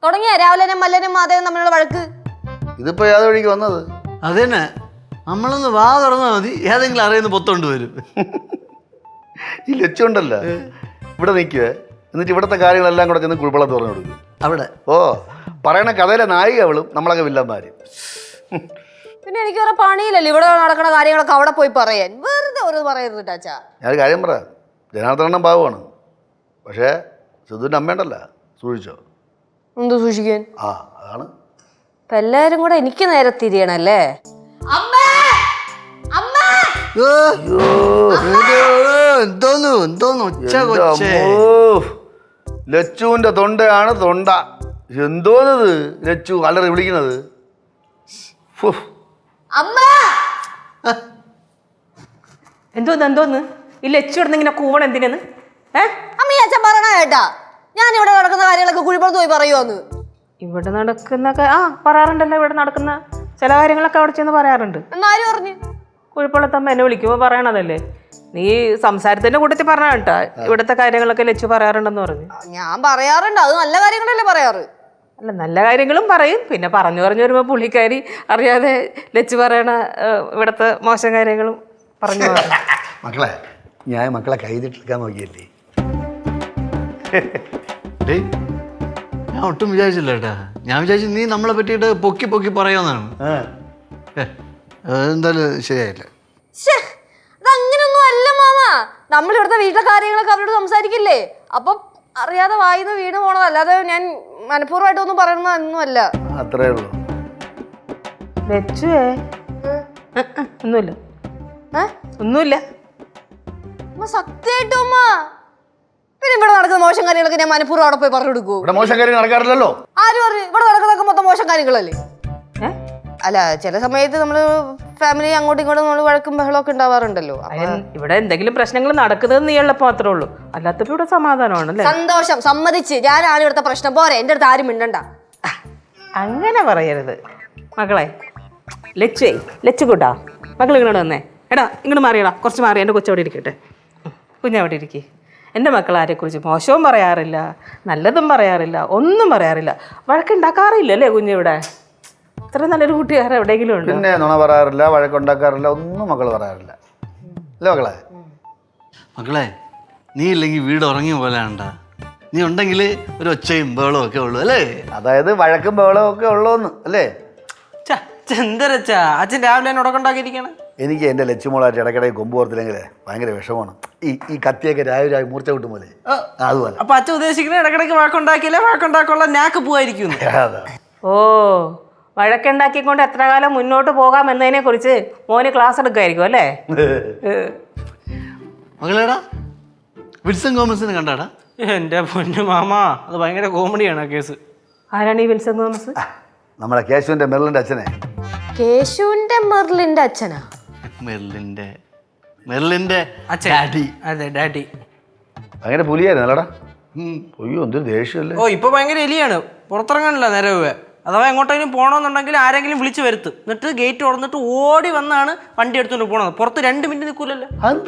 തുടങ്ങിയ രാവിലെ മല്ലനും മാധവനും തമ്മിലുള്ള വഴക്ക്. ഇതിപ്പോ ഏത് വഴിക്ക് വന്നത്? അതന്നെ, നമ്മളൊന്ന് വാ തുറന്നാൽ മതി, ഏതെങ്കിലും അറിയുന്ന പൊത്തോണ്ട് വരും. ഈ ലച്ചുണ്ടല്ല ഇവിടെ നിൽക്കുവേ, എന്നിട്ട് ഇവിടുത്തെ കാര്യങ്ങളെല്ലാം കൂടെ ചെന്ന് കുഴിപ്പള്ളത്ത് പറഞ്ഞു കൊടുക്കും അവിടെ. ഓ, പറയണ കഥയിലെ നായിക അവളും നമ്മളൊക്കെ വില്ലന്മാര്. പിന്നെ എനിക്ക് വേറെ പണിയില്ലല്ലോ ഇവിടെ നടക്കുന്ന കാര്യങ്ങളൊക്കെ അവിടെ പോയി പറയാൻ. വെറുതെ ഒരു പറയരുത് ടാച്ചാ. ഞാനൊരു കാര്യം പറയാം, ജനാർദ്ദനം പാവമാണ്, പക്ഷേ സിദ്ധുവിൻ്റെ അമ്മയുണ്ടല്ല, സൂക്ഷിച്ചോ. എന്ത് സൂക്ഷിക്കാൻ? ആ അതാണ്. ഇപ്പൊ എല്ലാരും കൂടെ എനിക്ക് നേരെ തിരിയണല്ലേ. എന്തോന്നു ഒച്ച കൊച്ചേ. ലച്ചുവിന്റെ തൊണ്ടയാണ് തൊണ്ട. എന്തോന്നത് ലച്ചു അലറി വിളിക്കുന്നത്? എന്തോന്ന് ഈ ലച്ചു ഇങ്ങനെ കൂവണം എന്തിനെന്ന്? അമ്മീ അച്ഛൻ പറയണ കേട്ടാ, ഞാൻ ഇവിടെ നടക്കുന്ന കാര്യങ്ങളൊക്കെ കുഴിപ്പുറത്ത് പോയി പറയുവാന്ന്. ഇവിടെ നടക്കുന്ന പറയാറുണ്ടല്ലോ, ഇവിടെ നടക്കുന്ന ചില കാര്യങ്ങളൊക്കെ അവിടെ ചെന്ന് പറയാറുണ്ട്. എന്നാരും പറഞ്ഞു? കുഴിപ്പുള്ളത്തമ്മ എന്നെ വിളിക്കുമ്പോ പറയണതല്ലേ. നീ സംസാരത്തിന്റെ കൂട്ടത്തിൽ പറഞ്ഞ കേട്ടാ ഇവിടുത്തെ കാര്യങ്ങളൊക്കെ ലച്ചു പറയാറുണ്ടെന്ന് പറഞ്ഞു. ഞാൻ പറയാറുണ്ട്, അത് നല്ല കാര്യങ്ങളല്ലേ പറയാറ്. അല്ല, നല്ല കാര്യങ്ങളും പറയും, പിന്നെ പറഞ്ഞു വരുമ്പോ പുള്ളിക്കാരി അറിയാതെ ലച്ചു പറയണ ഇവിടുത്തെ മോശം കാര്യങ്ങളും പറഞ്ഞു. മക്കളെ, ഞാൻ മക്കളെ കൈതിട്ടെടുക്കാൻ നോക്കിയല്ലേ. ഞാൻ ഒട്ടും വിചാരിച്ചില്ല കേട്ടാ. ഞാൻ വിചാരിച്ചു നീ നമ്മളെ പറ്റിയിട്ട് പൊക്കി പൊക്കി പറയാന്നാണ്. എന്തായാലും ശരിയായില്ല. അതങ്ങനൊന്നും അല്ല മാമ. നമ്മൾ ഇവിടുത്തെ വീട്ടിലെ കാര്യങ്ങളൊക്കെ അവരോട് സംസാരിക്കില്ലേ, അപ്പൊ അറിയാതെ വായിന്ന് വീണ് പോണത്, അല്ലാതെ ഞാൻ മനഃപൂർവ്വമായിട്ടൊന്നും പറയണമെന്നൊന്നുമല്ല. അത്രേ ഉള്ളൂ. ലച്ചുവേ ഒന്നുമില്ല, ഒന്നുമില്ല. സത്യമായിട്ടും അമ്മ, പിന്നെ ഇവിടെ നടക്കുന്ന മോശം കാര്യങ്ങളൊക്കെ ഞാൻ മനഃപൂർവ്വം അവിടെ പോയി പറഞ്ഞു കൊടുക്കൂ? ഇവിടെ മോശം കാര്യം നടക്കാറില്ലല്ലോ. ആര് പറഞ്ഞു? ഇവിടെ നടക്കുന്നതൊക്കെ മൊത്തം മോശം കാര്യങ്ങളല്ലേ. അല്ല, ചില സമയത്ത് നമ്മള് ഫാമിലി അങ്ങോട്ടും ഇങ്ങോട്ടും നമ്മൾ വഴക്കും ബഹളമൊക്കെ ഉണ്ടാവാറുണ്ടല്ലോ. ഇവിടെ എന്തെങ്കിലും പ്രശ്നങ്ങൾ നടക്കുന്നത് നീ ഉള്ളപ്പോ മാത്രമേ ഉള്ളൂ, അല്ലാത്തപ്പോ ഇവിടെ സമാധാനമാണ്. സന്തോഷം, സമ്മതിച്ച്. ഞാനാണ് ഇവിടുത്തെ പ്രശ്നം, പോരെ എന്റെ അടുത്ത് ആരും മിണ്ടണ്ട. അങ്ങനെ പറയരുത് മക്കളെ. ലച്ചു കൂട്ടാ, മക്കൾ ഇങ്ങോട്ട് വന്നേ. എടാ ഇങ്ങോട്ട് മാറിയടാ, കുറച്ച് മാറി. എൻ്റെ കൊച്ചവിടെ ഇരിക്കട്ടെ, കുഞ്ഞവിടെ ഇരിക്കേ. എൻ്റെ മക്കൾ ആരെക്കുറിച്ച് മോശവും പറയാറില്ല, നല്ലതും പറയാറില്ല, ഒന്നും പറയാറില്ല. വഴക്കുണ്ടാക്കാറില്ല അല്ലേ കുഞ്ഞിവിടെ? ഇത്ര നല്ലൊരു കൂട്ടുകാരൻ എവിടെയെങ്കിലും ഉണ്ട്? പിന്നെ നുണ പറയാറില്ല, വഴക്കുണ്ടാക്കാറില്ല, ഒന്നും മക്കൾ പറയാറില്ല അല്ലേ മക്കളെ? മക്കളെ, നീ ഇല്ലെങ്കിൽ വീട് ഉറങ്ങിയ പോലെ ആണ്ടാ. നീ ഉണ്ടെങ്കിൽ ഒരു ഒച്ചയും ബഹളവും ഒക്കെ ഉള്ളൂ അല്ലേ? അതായത് വഴക്കും ബഹളവും ഒക്കെ ഉള്ളൂന്ന് അല്ലേ? എന്തരച്ചാ അച്ഛൻ രാവിലെ തന്നെ ഉടക്കുണ്ടാക്കിയിരിക്കണേ? എനിക്ക് എൻ്റെ ലച്ചുമോളായിട്ട് ഇടയ്ക്കിടയ്ക്ക് കൊമ്പ് ഓർത്തില്ലെങ്കിലേ ഭയങ്കര വിഷമമാണ്. ഈ കത്തിയൊക്കെ രാവിലെ മൂർച്ച കിട്ടും പോലെ, അതുപോലെ. അപ്പൊ അച്ഛൻ ഉദ്ദേശിക്കുന്നത് ഇടയ്ക്കിടയ്ക്ക് വഴക്കുണ്ടാക്കിയില്ലേ വഴക്കുണ്ടാക്കാനുള്ള നാക്ക് പോവായിരിക്കും. ഓ, വഴക്കുണ്ടാക്കിക്കൊണ്ട് എത്ര കാലം മുന്നോട്ട് പോകാം എന്നതിനെ കുറിച്ച് മോന് ക്ലാസ് എടുക്കുമായിരിക്കും അല്ലേ? മകളേടാ, വിൽസൺ തോമസിനെ കണ്ടാടാ? എന്റെ പൊന്നു മാമ, അത് ഭയങ്കര കോമഡിയാണ് ആ കേസ്. ആരാണ് ഈ വിൽസൺ തോമസ്? നമ്മളെ കേശുവിന്റെ മെർലിന്റെ അച്ഛനെ. കേശുവിന്റെ മെർലിന്റെ അച്ഛനാ? മെർലിന്റെ അച്ഛൻ. അതെ, ഡാഡി. ഭയങ്കര പുലിയായിരുന്നു അല്ലടാ. അയ്യോ, എന്തൊരു ദേഷ്യമല്ലേ. ഓ, ഇപ്പൊ ഭയങ്കര എലിയാണ്, പുറത്തിറങ്ങാനില്ല നേരെ. അഥവാ എങ്ങോട്ടെങ്കിലും പോകണമെന്നുണ്ടെങ്കിൽ ആരെങ്കിലും വിളിച്ചു വരുത്തും, എന്നിട്ട് ഗേറ്റ് തുറന്നിട്ട് ഓടി വന്നാണ് വണ്ടി എടുത്തുകൊണ്ട് പോണത്. പുറത്ത് 2 മിനിറ്റ് നിൽക്കൂലല്ലോ.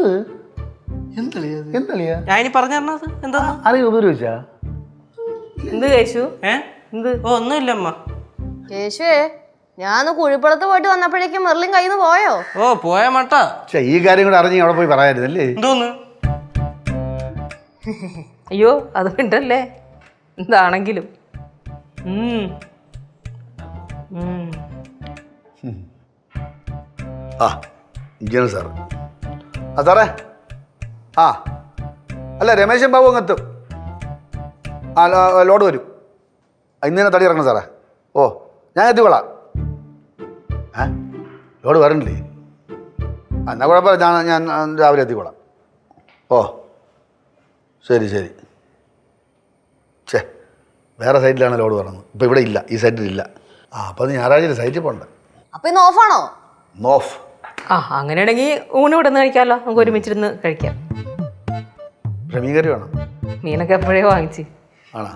ഞാൻ ഇനി പറഞ്ഞു തരണത് എന്താ ഉപയോഗിച്ചാ? എന്ത് കേശു? എന്ത്? ഓ, ഒന്നുമില്ല അമ്മ. കേശുവേ, ഞാൻ കുഴിപ്പുറത്ത് പോയിട്ട് വന്നപ്പോഴേക്കും മെർലിൻ കയ്യിൽ നിന്ന് പോയോ? ഓ, പോയ മട്ടാ. ഈ കാര്യം കൂടെ അറിഞ്ഞ് അവിടെ പോയി പറയായിരുന്നല്ലേ? എന്തോന്ന്? അയ്യോ, അത് ഉണ്ടല്ലേ, എന്താണെങ്കിലും. ഇങ്ങനെ സാറ്. സാറേ, അല്ല രമേശൻ ബാബു അങ്ങ് എത്തും. ലോഡ് വരും. ഇന്ന് തന്നെ തടി ഇറങ്ങണം സാറേ. ഓ, ഞാൻ എത്തിക്കൊള്ളാം. ലോഡ് വരണില്ലേ? എന്നാൽ കുഴപ്പമില്ല, ഞാൻ രാവിലെ എത്തിക്കൊള്ളാം. ഓ, ശരി. വേറെ സൈറ്റിലാണ് ലോഡ് പറഞ്ഞത്, ഇപ്പം ഇവിടെ ഇല്ല, ഈ സൈറ്റിലില്ല. അപ്പം അത് ഞായറാഴ്ച സൈറ്റിൽ പോകണ്ട. അപ്പൊ ഇന്ന് ഓഫാണോ? നോഫ്. അങ്ങനെയാണെങ്കിൽ ഊണ് ഇവിടെ നിന്ന് കഴിക്കാമല്ലോ, നമുക്ക് ഒരുമിച്ചിരുന്ന് കഴിക്കാം. മീൻ കറി വേണം? മീനൊക്കെ എപ്പോഴേ വാങ്ങിച്ച്. ആണോ?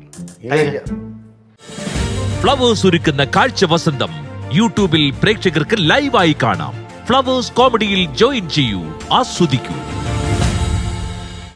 ഫ്ലവേഴ്സ് ഒരുക്കുന്ന കാഴ്ച വസന്തം യൂട്യൂബിൽ പ്രേക്ഷകർക്ക് ലൈവായി കാണാം. ഫ്ലവേഴ്സ് കോമഡിയിൽ ജോയിൻ ചെയ്യൂ, ആസ്വദിക്കൂ.